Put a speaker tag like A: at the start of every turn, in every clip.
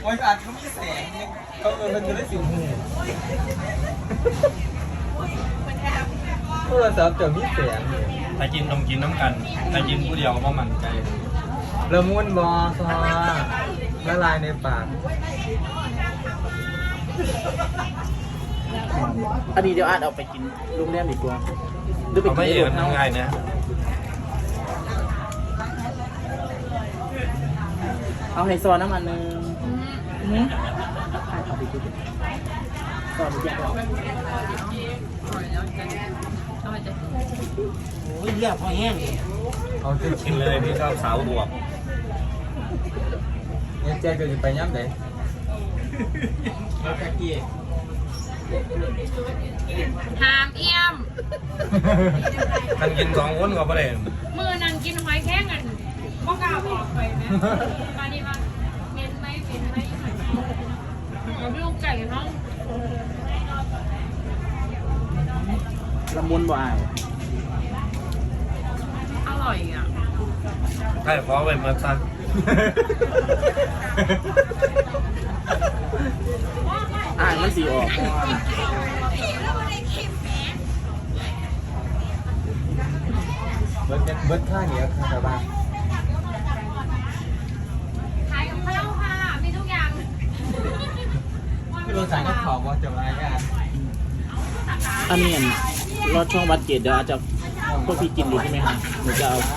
A: โอ้ยอาจเขามีแสงเขามันจะได้สิวหูโทรศัพท์จะมีแสง
B: ถ้ากินต้องกินน้ำกันถ้ากินผู้เดียวก็มันใจ
A: ละมุนบอซอละลายในปาก
C: อันนี้เดี๋ยวอาจเอาไปกินโรงแรมดีกว่า
B: เอาไม่เองทำไงนะ
C: เอาไฮโซน้ำมันนึงเอาไปกินซอสดีกว่าโอ้ยเรียบพอแห้ง
A: เอาจะ
B: กินเลยพี่ชอบสาวบวก
A: เนี่ยแจ๊กจะไปย้ำไหนแล้วแจ๊กกี้
D: หามเอี่ยม
B: กันกิน2 คนก็ไม่ได้
D: มือนังกินหอยแข้งกันก็กล้าบอกไปไหมมาดีมาเม็นไหมเอาพี่ลูกไก่กันน้อง
C: ละมุนบ่าย
D: อร่อยอ่ะ
B: ใช่ขอไปเมื่อสั้น
C: มันสีออก
A: เบิร์ดข้าเหนียวค่ะชาวบ้าน
D: ขายกับข้าวค่ะมีทุกอย่าง
A: พี่โรสายก็ขอบว่าจะมากัน
C: อันนี้รถช่องวัดเกตเดี๋ยวอาจจะพวกพี่กินดูใช่ไหมคะหนูจะเอา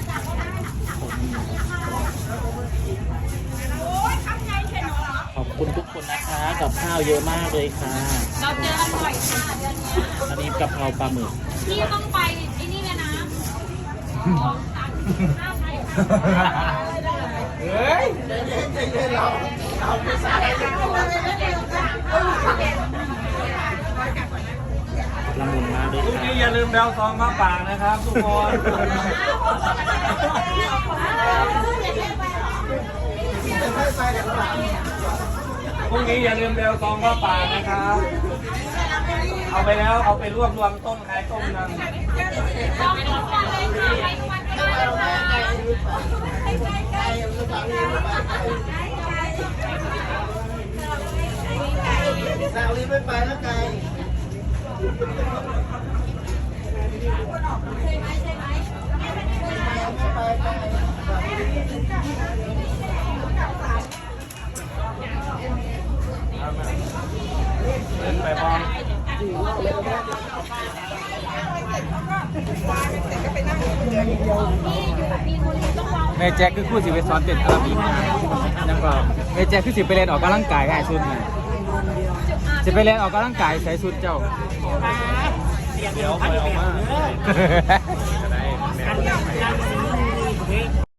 C: ขอบคุณทุกคนนะคะกับข้าวเยอะมากเลยค่ะ
D: เราเจออร่อยค่ะ
C: อันนี้กะเพราปลาหมึก
D: พี่ต้องไปไอ้นี่เลยนะ
A: เฮ้ย
C: ละมุนมากเลย
B: พรุ่งนี้อย่าลืมแบลซองมาฝากนะครับทุกคนพรุ่งนี้อย่าลืมแบลซองมาฝากนะครับเอาไปแล้วเอาไปรวบรวมต้มขายต้มนั่ง
A: สาวนี้ไม่ไปแล้วไกล
B: เล่นไปพร้อม
A: แม่แจ็คคือคู่สิไปซ้อนเต้นอาราบิกนะยังก็แม่แจ็คคือสิไปเล่นออกกำลังกายให้สุดนะจะไปเล่นออกกำลังกายใส่สุดเจ้า
B: เดี๋ยวไปเอามา